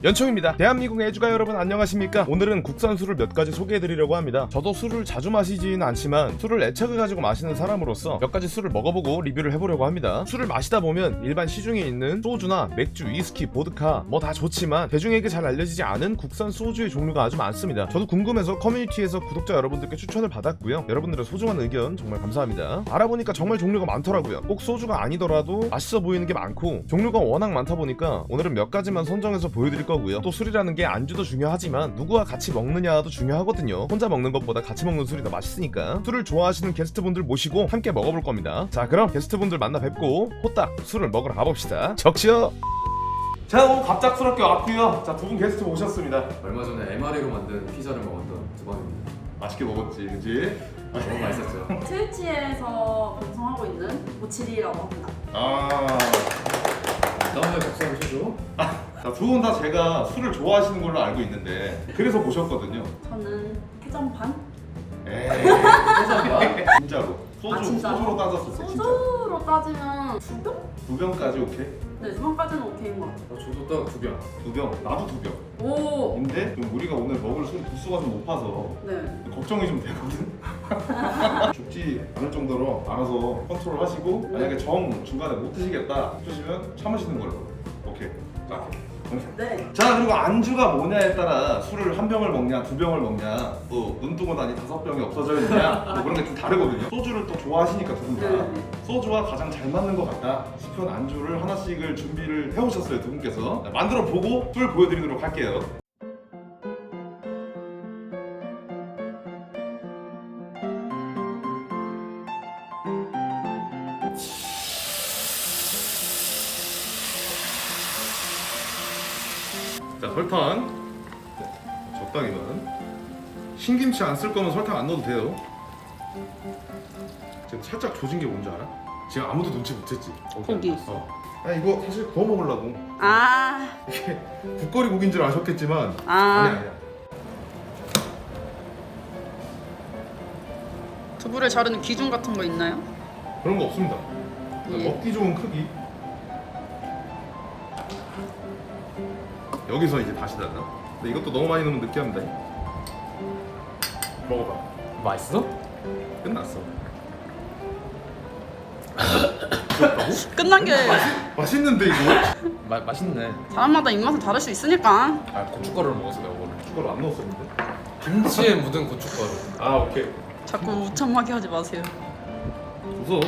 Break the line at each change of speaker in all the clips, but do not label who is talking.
연총입니다. 대한민국 애주가 여러분 안녕하십니까? 오늘은 국산 술을 몇 가지 소개해드리려고 합니다. 저도 술을 자주 마시지는 않지만 술을 애착을 가지고 마시는 사람으로서 몇 가지 술을 먹어보고 리뷰를 해보려고 합니다. 술을 마시다 보면 일반 시중에 있는 소주나 맥주, 위스키, 보드카 뭐 다 좋지만 대중에게 잘 알려지지 않은 국산 소주의 종류가 아주 많습니다. 저도 궁금해서 커뮤니티에서 구독자 여러분들께 추천을 받았고요. 여러분들의 소중한 의견 정말 감사합니다. 알아보니까 정말 종류가 많더라고요. 꼭 소주가 아니더라도 맛있어 보이는 게 많고 종류가 워낙 많다 보니까 오늘은 몇 가지만 선정해서 보여드릴 거고요. 또 술이라는 게 안주도 중요하지만 누구와 같이 먹느냐도 중요하거든요. 혼자 먹는 것보다 같이 먹는 술이 더 맛있으니까. 술을 좋아하시는 게스트분들 모시고 함께 먹어볼 겁니다. 자, 그럼 게스트분들 만나 뵙고 호딱 술을 먹으러 가봅시다. 적시요. 자, 오늘 갑작스럽게 왔고요. 자, 두 분 게스트 모셨습니다.
얼마 전에 MRE로 만든 피자를 먹었던 두번입니다.
맛있게 먹었지, 그치?
너무 맛있었죠.
트위치에서 방송하고 있는 모치리라고 합니다.
다음날 박수를 쳐줘.
두 분 다 제가 술을 좋아하시는 걸로 알고 있는데 그래서 모셨거든요.
저는 해전반?
에이, 진짜로.
진짜로?
소주로 따졌을 때 진짜.
소주로 따지면 2병?
2병까지 오케이?
네, 2병까지는 오케이인 것 같아요.
저도 딱 2병.
2병, 나도 2병.
오!
근데 좀 우리가 오늘 먹을 술 도수가 좀 높아서
네.
걱정이 좀 되거든. 죽지 않을 정도로 알아서 컨트롤 하시고 만약에 정 중간에 못 드시겠다 싶으시면 참으시는 걸로. 오케이. 자,
네.
자, 그리고 안주가 뭐냐에 따라 술을 1병을 먹냐 2병을 먹냐 또 눈뜨고 나니 5병이 없어져 있냐 뭐 그런 게 좀 다르거든요. 소주를 또 좋아하시니까 두 분 다
네.
소주와 가장 잘 맞는 것 같다 싶은 안주를 하나씩을 준비를 해오셨어요. 두 분께서 만들어 보고 술 보여드리도록 할게요. 자, 설탕 적당히만. 신김치 안 쓸 거면 설탕 안 넣어도 돼요. 지금 살짝 조진 게 뭔지 알아? 지금 아무도 눈치 못 챘지?
고기.
아니 이거 사실 구워 먹으려고.
아,
이게 국거리 고기인 줄 아셨겠지만
아.
아니야.
두부를 자르는 기준 같은 거 있나요?
그런 거 없습니다.
예.
먹기 좋은 크기. 여기서 이제 다시 달라. 근데 이것도 너무 많이 넣으면 느끼합니다. 먹어봐.
맛있어?
끝났어.
끝난 게
맛있는데 이거?
맛있네.
사람마다 입맛은 다를 수 있으니까.
고춧가루를 먹어서 내가 오늘.
이걸 안 넣었었는데?
김치에 묻은 고춧가루.
오케이.
자꾸 우참하게 하지 마세요.
웃어.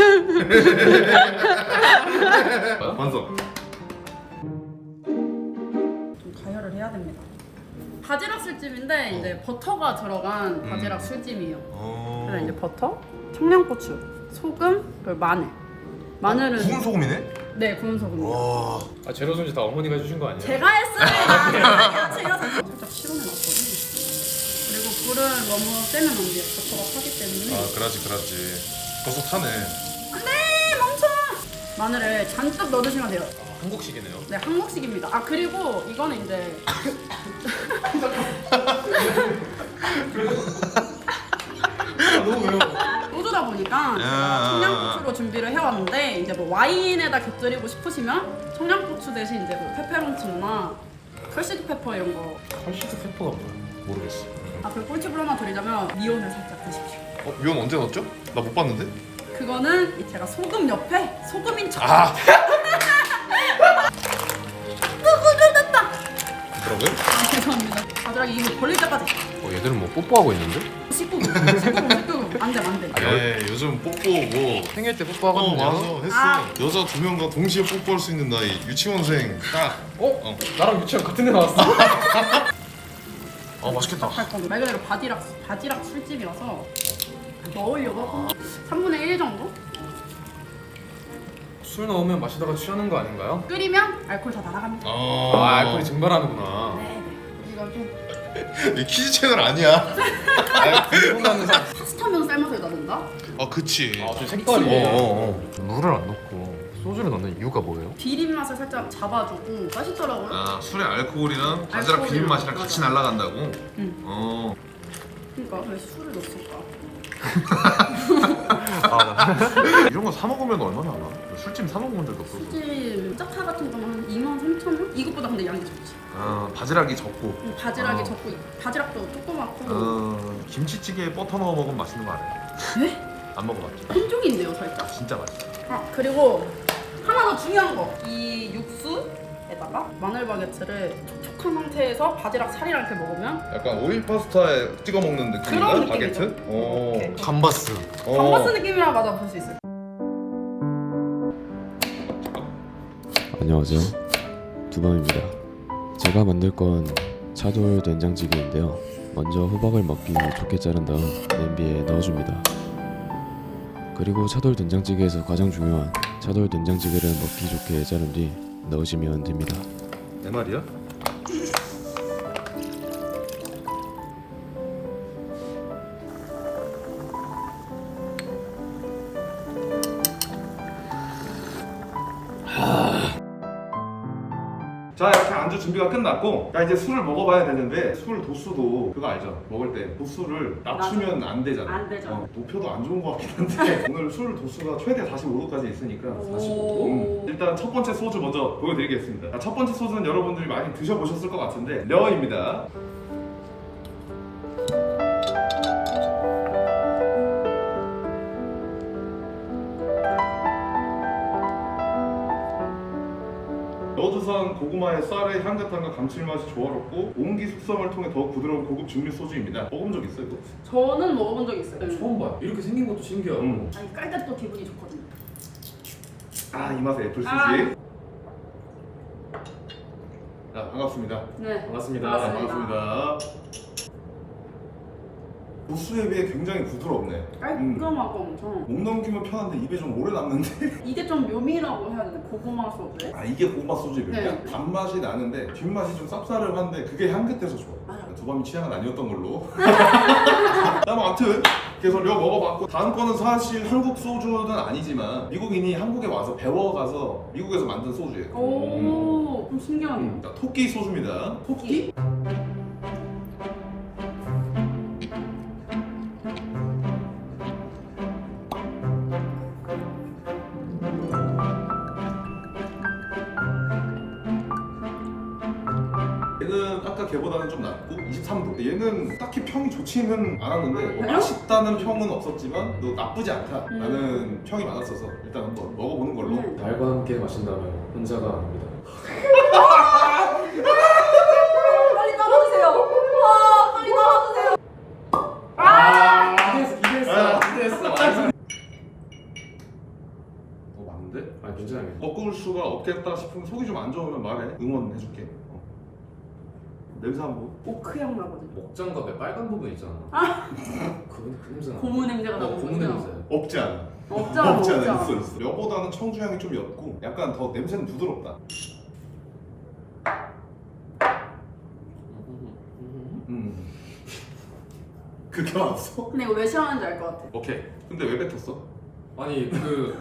완성.
좀 가열을 해야 됩니다. 바지락 술찜인데 이제 버터가 들어간 바지락 술찜이에요. 그래서 이제 버터, 청양고추, 소금, 그리고 마늘. 마늘은
구운 소금이네?
네, 구운 소금이요.
와.
재료 손질 다 어머니가 해주신 거 아니에요?
제가 했습니다. 아니요, 제가 살짝 실온해놨거든요. 그리고 불을 너무 세면 안 돼요. 버터가 타기 때문에.
그라지. 벌써 타네.
안돼, 멈춰. 마늘을 잔뜩 넣어주시면 돼요.
한국식이네요.
네, 한국식입니다. 그리고 이거는 이제
너무 매워.
소주다 보니까 제가 청양고추로 준비를 해왔는데 이제 뭐 와인에다 곁들이고 싶으시면 청양고추 대신 이제 뭐 페페론치노나 컬시드 페퍼 이런 거.
컬시드 페퍼가 뭐야? 모르겠어.
그리고 꿀팁을 하나 드리자면 미온을 살짝 드십시오.
미원 언제 넣었죠? 나 못 봤는데?
그거는 제가 소금 옆에 소금인 척.
뭐라고요?
죄송합니다. 바지락이 이거 벌릴 때까지
얘들은 뭐 뽀뽀하고 있는데?
씻고 안돼.
요즘 뽀뽀고
생일 때 뽀뽀하거든요.
맞아 했어. 여자 2명과 동시에 뽀뽀할 수 있는 나이 유치원생 딱.
나랑 유치원 같은 데 나왔어.
맛있겠다.
할 건데 말 그대로 바지락 술집이라서 넣으려고 3분의 1 정도
술 넣으면 마시다가 취하는 거 아닌가요?
끓이면 알코올 다 날아갑니다.
알코올이 증발하는구나.
네. 이거 좀
이 키즈 채널 아니야.
궁금한 사.
파스타면 삶아서 넣는다.
그치.
좀 색깔이. 물을 안 넣고 소주를 넣는 이유가 뭐예요?
비린 맛을 살짝 잡아주고 맛있더라고요.
술의 알코올이랑
바지락 비린 맛이랑 같이
날아간다고?
그러니까 왜 술을 넣었을까?
이런 거 사 먹으면 얼마나 하나? 술찜 사 먹은 적도 없어서.
술집 짝타 같은 거는 한 23,000원? 이것보다 근데 양이 적지.
바지락이 적고.
바지락이 적고 바지락도 조그맣고.
김치찌개에 버터 넣어 먹으면 맛있는 거 알아요?
네?
안 먹어봤죠?
한종인데요 살짝.
진짜 맛있어.
그리고 하나 더 중요한 거. 이 육수에다가 마늘 바게트를 촉촉한 상태에서 바지락 살이랑 이렇게 먹으면
약간 오일 파스타에 찍어 먹는 느낌인가?
그런 느낌이죠.
바게트?
이렇게.
감바스.
감바스 느낌이라 맞아 볼 수 있어요.
안녕하세요. 두밤입니다. 제가 만들 건 차돌 된장찌개인데요. 먼저 호박을 먹기 좋게 자른 다음 냄비에 넣어줍니다. 그리고 차돌 된장찌개에서 가장 중요한 차돌 된장찌개를 먹기 좋게 자른 뒤 넣으시면 됩니다.
내 말이야? 자, 이렇게 안주 준비가 끝났고, 야, 이제 술을 먹어봐야 되는데, 술 도수도 그거 알죠? 먹을 때 도수를 낮추면 안 되잖아.
안 되죠.
높여도 안 좋은 것 같긴 한데 오늘 술 도수가 최대 45도까지 있으니까 45도? 일단 첫 번째 소주 먼저 보여드리겠습니다. 자, 첫 번째 소주는 여러분들이 많이 드셔보셨을 것 같은데 려입니다. 여두산 고구마의 쌀의 향긋함과 감칠맛이 조화롭고 옹기 숙성을 통해 더욱 부드러운 고급 증류 소주입니다. 먹어본 적 있어요, 이거?
저는 먹어본 적 있어요.
처음 봐요. 이렇게 생긴 것도 신기하고.
아니 깔 때 또 기분이 좋거든요.
아, 이 맛에 애플 스시. 자, 반갑습니다.
네.
반갑습니다.
반갑습니다. 도수에 비해 굉장히 부드럽네.
깔끔하고 엄청.
목 넘기면 편한데 입에 좀 오래 남는데.
이게 좀 묘미라고 해야 되나? 고구마 소스.
아, 이게 고구마 소주의 묘미야?
네.
단맛이 나는데 뒷맛이 좀 쌉싸름한데 그게 향긋해서 좋아.
맞아.
두밤이 취향은 아니었던 걸로. 아무튼 그래서 려 먹어봤고, 다음 거는 사실 한국 소주는 아니지만 미국인이 한국에 와서 배워가서 미국에서 만든 소주예요.
오, 좀 신기하네요.
자, 토끼 소주입니다.
토끼?
얘는 아까 걔보다는 좀 낫고 23도. 얘는 딱히 평이 좋지는 않았는데 뭐
그래요?
맛있다는 평은 없었지만 또 나쁘지 않다라는 평이 많았어서 일단 한번 먹어보는 걸로.
날과 함께 마신다면 혼자가 아닙니다.
빨리 떨어주세요. 와, 빨리 떨어주세요.
기대했어.
맞는데?
아 괜찮아요.
꺾을 수가 없겠다 싶으면 속이 좀 안 좋으면 말해. 응원해줄게. 냄새 한번.
오크향 나거든요.
목장갑에 빨간 부분 있잖아. 그 냄새 나.
고무 냄새가 나는
고무
거죠?
냄새.
없지 않아.
없잖아,
없지 않아.
없잖아.
있어. 려보다는 청주 향이 좀 옅고 약간 더 냄새는 부드럽다. 그게 없어?
근데 이거 왜 싫어하는지 알 것 같아.
오케이. 근데 왜 뱉었어?
아니 그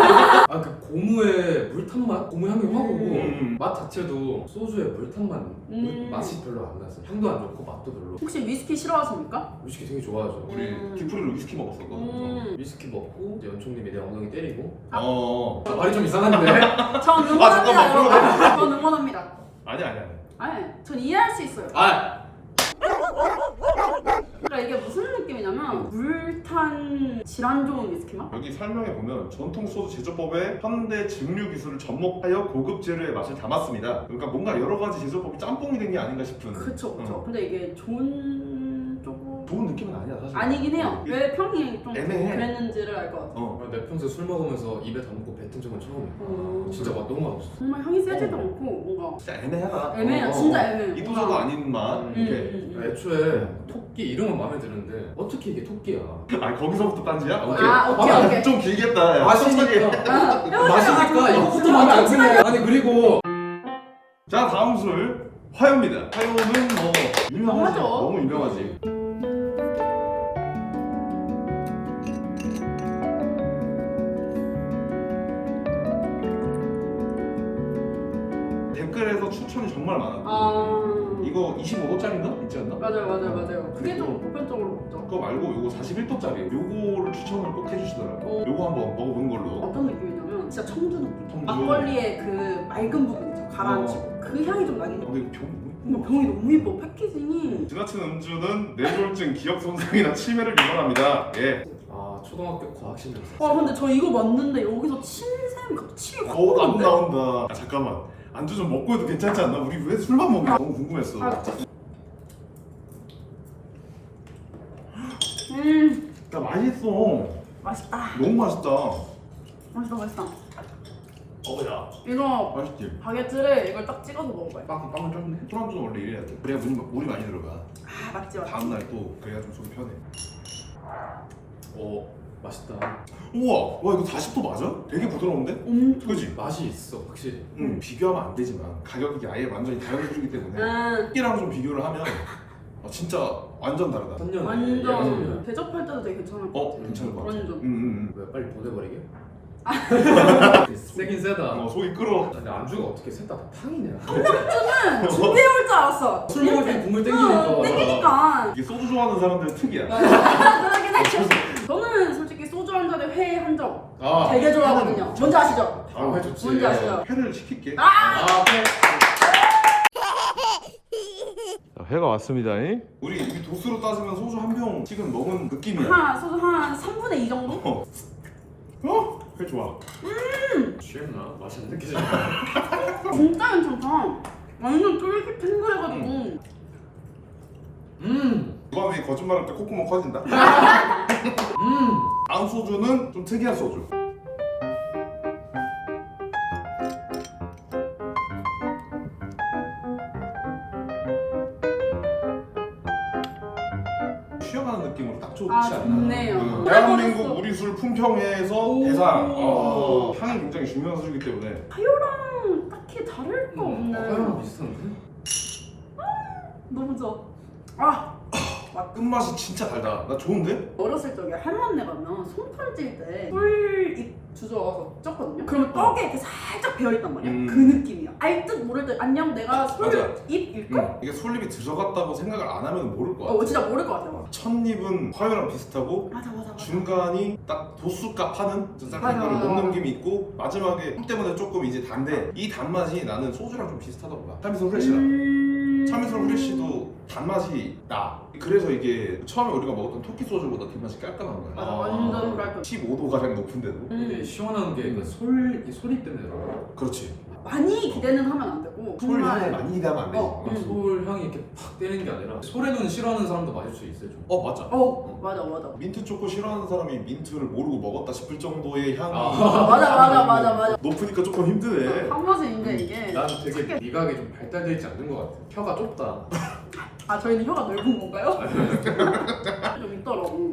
고무의 물탄 맛, 고무 향이 확 오고 맛 자체도 소주의 물탄 맛, 맛이 별로 안 났어. 향도 안 좋고 맛도 별로.
혹시 위스키 싫어하십니까?
위스키 되게 좋아하죠.
우리 디프리로 위스키 먹었었거든.
위스키 먹고 이제 연총님이 내 엉덩이 때리고.
어.
말이 좀 이상한데?
전 응원합니다,
잠깐만,
여러분. 전 응원합니다.
아니야.
아니, 전 이해할 수 있어요.
아
그러니까 이게 무슨 느낌이냐면 물탄 질환 좋은 위스키 맛?
여기 설명해 보면 전통 소주 제조법에 현대 증류 기술을 접목하여 고급 재료의 맛을 담았습니다. 그러니까 뭔가 여러 가지 제조법이 짬뽕이 된 게 아닌가 싶은.
그쵸. 근데 이게 좋은 쪽으로
좋은 느낌은 아니야 사실.
아니긴 해요. 왜 평이 좀
애매해.
그랬는지를 알 것 같아.
내 평소에 술 먹으면서 입에 담고 뱉은 적은 처음이야. 진짜 맛 너무 맛없어.
정말 향이 세지도 않고 뭔가
진짜 애매하다.
애매해요. 진짜 애매해요.
이도저도 아닌 맛. 이렇게.
애초에 토끼 이름은 마음에 드는데 어떻게 이게 토끼야?
아, 거기서부터 딴지야?
오케이.
좀 길겠다. 야.
마시니까
아,
마시니까 이거부터 마음에 안 드네. 아니 그리고
자, 다음 술 화요입니다. 화요는 뭐 유명하지.
유명하죠.
너무 유명하지. 댓글에서 추천이 정말 많았고
아...
이거 25도짜리인가? 있지 않나?
맞아요. 그게 좀 보편적으로 먹죠.
그거 말고 요거 41도짜리 요거를 추천을 꼭 해주시더라고요. 요거 한번 먹어보는 걸로.
어떤 느낌이냐면 진짜 청주 느낌.
청주.
막걸리의 그 맑은 부분 있죠. 가라앉히고 그 향이 좀 나긴 해요.
근데 이거 병
근데 병이 너무 예뻐. 패키징이.
지나친 음주는 뇌졸중, 기억 손상이나 치매를 유발합니다. 예.
아 초등학교 과학실 냄새.
와 근데 저 이거 맞는데 여기서 침샘이 갑자기 침이 확
안
오는데?
나온다. 아, 잠깐만. 안주 좀 먹고 해도 괜찮지 않나? 우리 왜 술만 먹냐? 너무 궁금했어.
아,
야 맛있어.
맛있다.
너무 맛있다.
맛있다.
어야.
이거
맛있지.
바게트를 이걸 딱 찍어서 먹어봐요.
빵을 쪘네.
술안주는 원래 이래야 돼. 그래야 물이 많이 들어가.
아 맞지.
다음 날 또 그래야 좀 속이 편해.
오 맛있다.
우와, 와 이거 40도 맞아? 되게 부드러운데?
엄청.
그지?
맛이 있어 확실히.
비교하면 안 되지만 가격이 아예 완전히 다른 술이기 때문에
음,
이랑 좀 비교를 하면 진짜 완전 다르다.
천년.
완전 대접할 때도 되게 괜찮을 것 같아.
괜찮은 것 같아.
완전.
왜 빨리 보내버리게? 세긴 세다.
속이 끓어.
근데 안주가 어떻게 셋 다 탕이냐?
저는 준비해올 줄 알았어.
술 먹을 때 국물 땡기니까.
땡기니까.
이게 소주 좋아하는 사람들은 특이야.
그러긴 했죠. 저는 솔직히 소주 한 잔에 회 한 점 되게 좋아하거든요. 뭔지 아시죠?
아, 회 좋지.
뭔지 아시죠?
회를 시킬게.
네.
회가 왔습니다. 우리 이 도수로 따지면 소주 한 병 지금 먹은 느낌이야.
소주 한 3분의 2 정도?
회 좋아.
취했나? 맛이 안 느껴져.
진짜 괜찮다. 완전 쫄깃탱글해가지고.
누가 왜 거짓말할 때 콧구멍 커진다? 다음 소주는 좀 특이한 소주. 쉬어가는 느낌으로 딱 좋지 않나?
좋네요.
대한민국 우리 술 품평회에서
오.
대상. 향이 굉장히 중요한 소주이기 때문에.
하요랑 딱히 다를 거 없네.
화요랑 비슷한데?
너무 좋아.
끝맛이 진짜 달다. 나 좋은데?
어렸을 적에 할머니네 가면 손털 찔때 꿀잎 주워와서 쪘거든요. 그러면 떡에 이렇게 살짝 배어있단 말이야. 그 느낌이야. 알 듯 모를 듯 안녕 내가
맞아.
솔잎일걸?
이게 솔잎이 들어갔다고 생각을 안 하면 모를 것 같아.
진짜 모를 것 같아.
첫 입은 화요랑 비슷하고
맞아.
중간이 딱 도수값 하는 쌀
맞아,
색깔을
맞아,
못
맞아.
넘김이 있고 마지막에 술 때문에 조금 이제 단데 이 단맛이 나는 소주랑 좀 비슷하다고 봐. 참이슬 후레쉬랑 참이슬 후레쉬도 단맛이 나. 그래서 이게 처음에 우리가 먹었던 토끼 소주보다 뒷맛이 깔끔한 거야.
맞아, 완전 깔끔.
15도 가량 높은데도.
근데 시원한 게 그 소리 때문에 그런 거야.
그렇지.
많이 기대는 하면 안 되고
솔 향을
정말
많이 기대하면 안 되지.
솔 향이 이렇게 팍 때리는 게 아니라 솔의 눈 싫어하는 사람도 맞을 수 있어요 좀.
맞아.
맞아.
민트 초코 싫어하는 사람이 민트를 모르고 먹었다 싶을 정도의 향이
맞아.
높으니까 조금 힘드네.
한 맛인데 이게.
난 되게 미각이 좀 발달되어 있지 않는 것 같아. 혀가 좁다.
저희는 혀가 넓은 건가요? 좀 있더라고.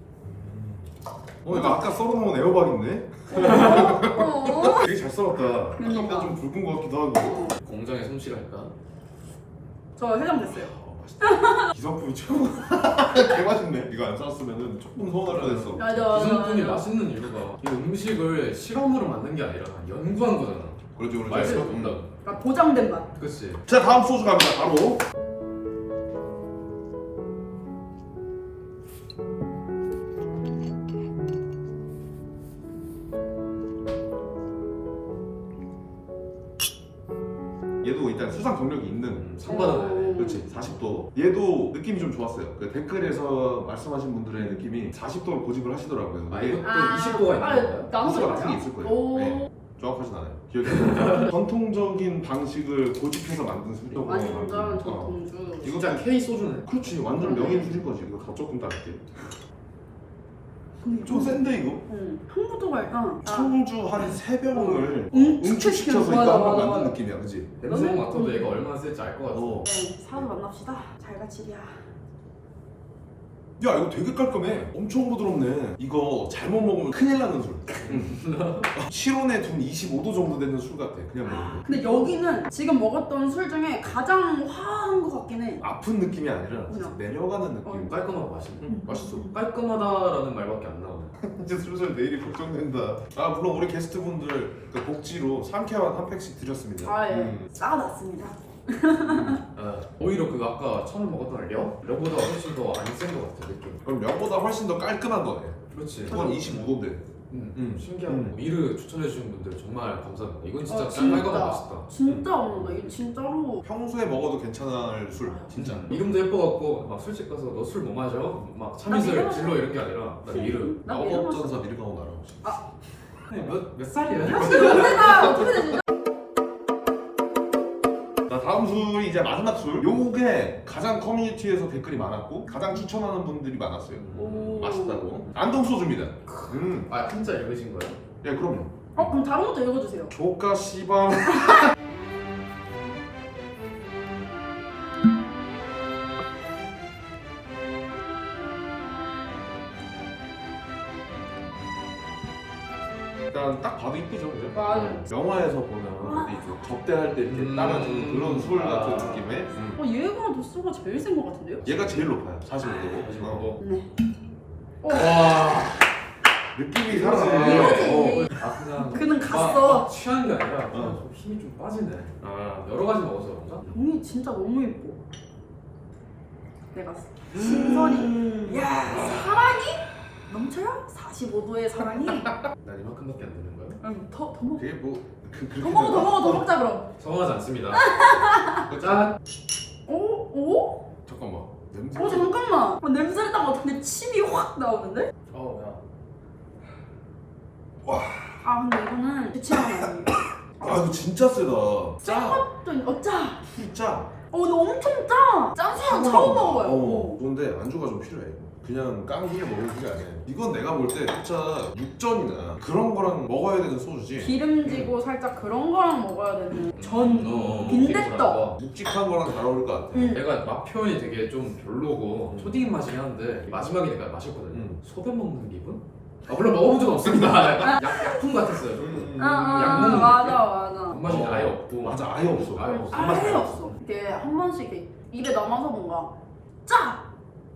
이거 아까 썰어놓은 애호박인데?
어?
되게 잘 썰었다.
그러니까.
좀 굵은 것 같기도 하고.
공장의 솜씨랄까?
저 해장됐어요.
맛있다. 기성품이 최고. 개 맛있네. 이거 안 썰었으면 조금 서운할 뻔했어.
맞아.
기성품이 맛있는 이유가 이 음식을 실험으로 만든 게 아니라 연구한 거잖아.
그렇지
맛있어 본다.
그러니까 보장된 맛.
그치?
자 다음 소주 갑니다. 바로. 얘도 일단 수상 경력이 있는
상 받아야 돼.
그렇지 40도 얘도 느낌이 좀 좋았어요. 그 댓글에서 말씀하신 분들의 느낌이 40도를 고집을 하시더라고요.
아
이게
이것도 20도가 있는 거야?
나눠서
도수가 같은 게 있을 거예요.
오.
네. 정확하진 않아요. 기억이 안 나요. 전통적인 방식을 고집해서 만든 술이라고.
완전 전통주.
이거
진짜 K 소주네.
그렇지 완전 명인 술인 거지. 이거 더 조금 다를게.
근데
좀 센데 이거?
향부터가 일단
청주 한 3병을
응축시켜서
응축시켜서 이거 한번
맞아.
만든 느낌이야, 그지?
냄새만 맡아도 얘가 얼마나 셀지 알 것 같아.
네, 사서 만납시다. 잘가치리야.
야 이거 되게 깔끔해. 엄청 부드럽네. 이거 잘못 먹으면 큰일 나는 술. 실온에 둔 25도 정도 되는 술 같아. 그냥 먹으면.
근데 여기는 지금 먹었던 술 중에 가장 화한 것 같긴 해.
아픈 느낌이 아니라
그냥.
내려가는 느낌.
깔끔하고 맛있네.
맛있어.
깔끔하다라는 말밖에 안 나오네.
이제 슬슬 내일이 걱정된다. 물론 우리 게스트분들 그 복지로 상쾌한 한 팩씩 드렸습니다.
쌓아놨습니다.
오히려 오히려 그 아까 처음에 먹었던 려보다 훨씬 더 안 센 것 같아 느낌.
그럼 면보다 훨씬 더 깔끔한 거네.
그렇지.
그건 25도인데.
신기하고 미르 추천해주신 분들 정말 감사합니다. 이건 진짜
진짜.
깔깔깔 맛있다.
진짜 먹는다. 이거 진짜로.
평소에 먹어도 괜찮을 술 진짜.
이름도 예뻐갖고 막 술집 가서 너 술 뭐 마셔? 막 참이슬
미르
질러 이런 게 아니라 나 미르.
나 미르 마셔.
마법전사 미르가오 나라고.
몇 살이야?
연세가 어떻게 되시죠?
자, 다음 술이 이제 마지막 술. 요게 가장 커뮤니티에서 댓글이 많았고 가장 추천하는 분들이 많았어요.
오.
맛있다고. 안동 소주입니다.
아 한자 읽으신 거예요?
예, 그럼요.
그럼 다른 것도 읽어주세요.
조카 씨발. 일단 딱 봐도 이쁘죠, 그죠?
맞아요.
영화에서 보면 이렇게 접대할 때 이렇게 따라주는 그런 술 같은 느낌의.
얘가 도수가 제일 센 것 같은데요?
얘가 제일 높아요, 45도.
뭐.
네.
와.
느낌이
이거지.
이거지.
아 그냥
그는 갔어.
취한 게 아니라 그냥 좀 힘이 좀 빠지네. 아 여러 가지 먹어서 그런가?
형이 진짜 너무 예뻐. 내가 신선이. 야 사랑이 넘쳐요? 45도의 사랑이.
난 이만큼밖에 안 되는 거야?
더 먹어.
되게 뭐 그렇게
더 먹어 더 먹어 더 먹자 그럼.
성하지 않습니다. 짠.
오 오?
잠깐만 냄새.
잠깐만. 냄새를 딱 맡는데 침이 확 나오는데?
야.
아 근데 이거는 제 취향은 아니에요.
아 이거 진짜 세다.
짜.
짜.
진짜.
근데 엄청 짜. 짠 술은 처음 먹어봐요.
그런데 안주가 좀 필요해. 그냥 깡그게 먹는 게 아니야. 이건 내가 볼 때 진짜 육전이나 그런 거랑 먹어야 되는 소주지.
기름지고 살짝 그런 거랑 먹어야 되는 전 빈대떡.
묵직한 거랑 잘 어울릴 것 같아.
내가 맛 표현이 되게 좀 별로고 초딩 맛이긴 한데 마지막에 내가 마셨거든요. 소변 먹는 기분? 아 물론 먹어본 적 없습니다. 약품 같았어요. 약 먹는
맞아.
단맛이 아예 없고.
맞아, 아예 없어.
아예 없어.
아예 없어. 이게 한 번씩 이렇게 입에 남아서 뭔가 짜.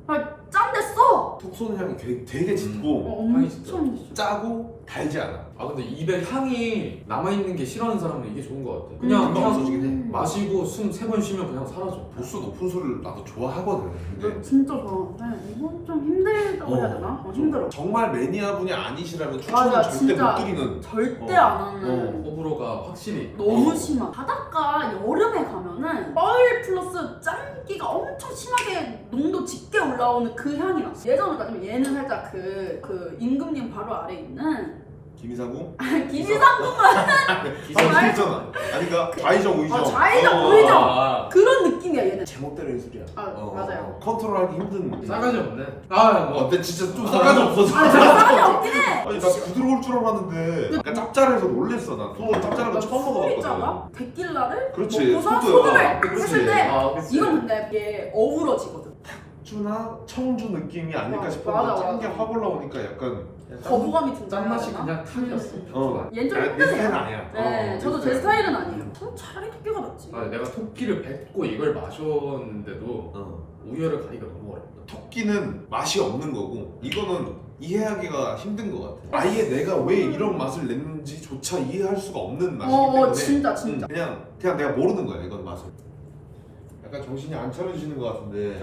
짠데 써.
톡 쏘는 향이 되게 짙고
향이 진짜.
엄청 짜.
짜고 달지 않아.
아 근데 입에 향이 남아있는 게 싫어하는 사람은 이게 좋은 것 같아. 그냥
금방 없어지긴 해.
마시고 숨 3번 쉬면 그냥 사라져.
도수 높은 술을 나도 좋아하거든. 근데
진짜 좋아하는데 이건 좀 힘들다고 해야 되나? 힘들어.
정말 매니아 분이 아니시라면 추천은
맞아,
절대
진짜.
못 드리는.
절대 안 하는.
호불호가 확실히
너무 심한. 바닷가 여름에 가면은 뻘 플러스 짠기가 엄청 심하게 농도 짙게 올라오는 그 향이 났어. 예전으로 따지면 얘는 살짝 그 임금님 바로 아래 있는
김이상궁?
김이상궁은
기성이잖아. 아니 그러니까 좌이정 우이정.
좌이정 우이정 그런 느낌이야 얘는.
제멋대로인 술이야.
맞아요.
컨트롤하기 힘든.
싸가지 없네. 아뭐
어때 진짜 좀 싸가지 없어서.
싸가지 없긴 해.
아니 나 부드러울 줄 알았는데 약간 짭짤해서 놀랬어. 난 소주 짭짤한 거 처음 먹어봤거든.
술이잖아. 데킬라를
그렇지,
먹고서
소주.
소금을
그렇지.
했을 때
그치.
이건 근데 이게 어우러지거든.
쭈나 청주 느낌이 아닐까 싶었는데
맞아.
짠게 확 올라오니까 약간
거부감이 든다.
짠맛이 그냥 탁이었어.
얘는 좀
내
힘드네요.
스타일은 아니야.
네, 저도 제 스타일은 아니에요. 저는 차라리 토끼가 낫지.
아, 내가 토끼를 뱉고 이걸 마셨는데도 우열을 가기가 너무 어렵다.
토끼는 맛이 없는 거고 이거는 이해하기가 힘든 것 같아. 아예 내가 왜 이런 맛을 냈는지조차 이해할 수가 없는 맛이기 때문에
진짜.
그냥 내가 모르는 거야 이건 맛을. 약간 정신이 안 차려지는 것 같은데.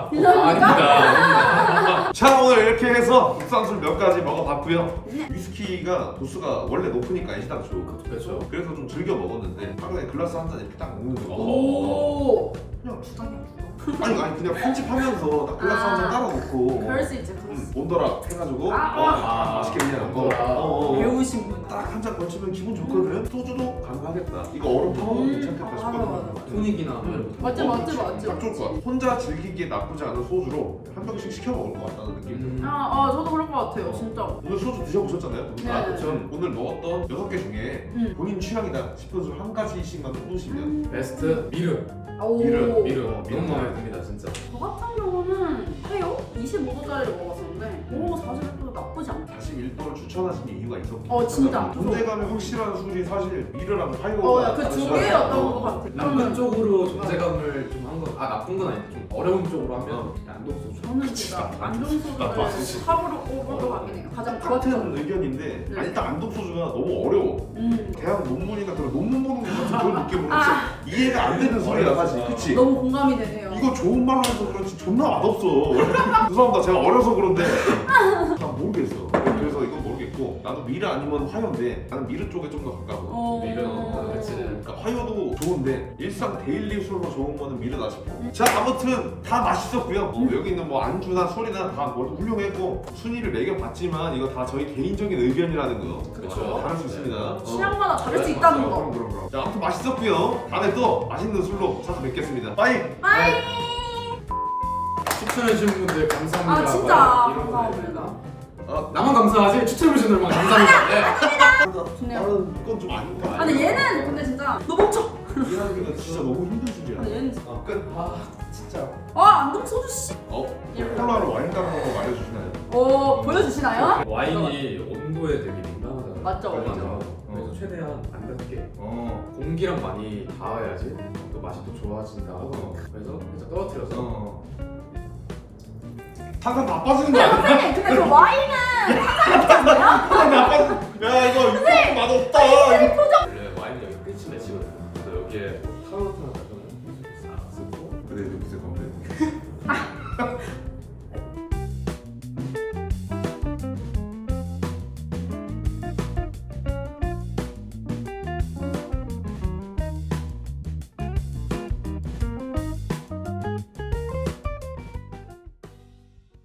아닙니다.
자 오늘 이렇게 해서 국산술 몇 가지 먹어봤고요. 위스키가 도수가 원래 높으니까 애시당초.
그렇죠.
그래서 좀 즐겨 먹었는데 하루에 글라스 한 잔 이렇게 딱 먹는 거.
오.
그냥 주당이야 주당. 아니 그냥 편집하면서 딱 글라스 한 잔 따라 놓고.
그럴 수 있지.
온더락 해가지고 맛있게 그냥
온더락.
배우신 분.
딱 한 잔 걸치면 기분 좋거든. 소주도 가능하겠다. 이거 얼음 타먹어도 괜찮겠다 싶거든.
맞아.
토닉이나 뭐 이런 거.
맞지.
딱 좋을 것 같아. 혼자 즐기기에 나쁘지 않은 소주로 한 병씩 시켜 먹을 것 같다는 느낌.
저도 그럴 것 같아요. 진짜.
오늘 소주 드셔보셨잖아요. 두 분 다.
네.
그렇죠. 오늘 먹었던 6개 중에 본인 취향이다 싶은 술 한 가지씩만 뽑으시면
베스트 미르.
오.
미르 너무 마음에 듭니다 진짜.
저 같은 경우는 해요? 25도짜리를 먹어봤었는데 오 41도도 나쁘지 않다.
41도를 추천하신 이유가 있었고.
진짜.
존재감이 확실한 술이 사실 미르랑 하이거가
그 두 개였던 것 같아.
나쁜 쪽으로 존재감을 좀 한 건 나쁜 건 아닌데 좀 어려운 쪽으로 하면 안독소주.
저는 진짜 안 좋은
나도 안
소주를
쓰지.
탑으로 꼽을 것 같긴 해요. 가장
같은
좋았던.
의견인데
네.
일단 안독소주가 너무 어려워. 대학 논문이나 그런 논문 보는 것 같은 그런 느낌으로 진짜 이해가 안 되는 소리야 사실. 그치?
너무 공감이 되네요.
이거 좋은 말로 해서 그렇지 존나 맛없어. 죄송합니다. 제가 어려서 그런데 난 모르겠어. 그래서 이건 모르겠고 나도 미르 아니면 화요인데 나는 미르 쪽에 좀 더 가까워.
미르, 그치.
그러니까 화요도 좋은데 일상 데일리 술로 좋은 거는 미르다 싶어. 자 아무튼 다 맛있었고요. 여기 있는 뭐 안주나 술이나 다 모두 훌륭했고 순위를 매겨봤지만 이거 다 저희 개인적인 의견이라는 거.
그쵸.
다를 수 있습니다.
취향마다 다를 수 있다는 거.
그럼. 자 아무튼 맛있었고요. 다음에 또 맛있는 술로 찾아뵙겠습니다. 빠이.
빠이.
추천해주신 분들 감사합니다.
진짜
이런 거
감사합니다.
나만 감사하지 추천해주신 분들만 감사합니다.
좋네요.
나는 이건 좀 아닌 거
근데 얘는 근데 진짜 너 멈춰.
이해하기가 진짜 너무 힘든 술이야.
근데 얘는
끝.
진짜.
안동 소주 씨.
콜라로 와인 따는 거 알려주시나요?
보여주시나요?
와인이 온도에 되게 민감하잖아요.
맞죠,
그래서 최대한 안 닿게
어.
공기랑 많이 닿아야지 또 맛이 또 좋아진다. 그래서 살짝 떨어뜨려서
탄산 다 빠지는 거 아니야?
선생님 근데 그 와인은 탄산이 없지 않나요?
탄산 다 빠지. 야 이거 육즙 맛없다.
원래 와인은 여기 끝이 맺히거든요. 그래서 여기에 타로트나 같은 거 싹 쓰고
근데 여기서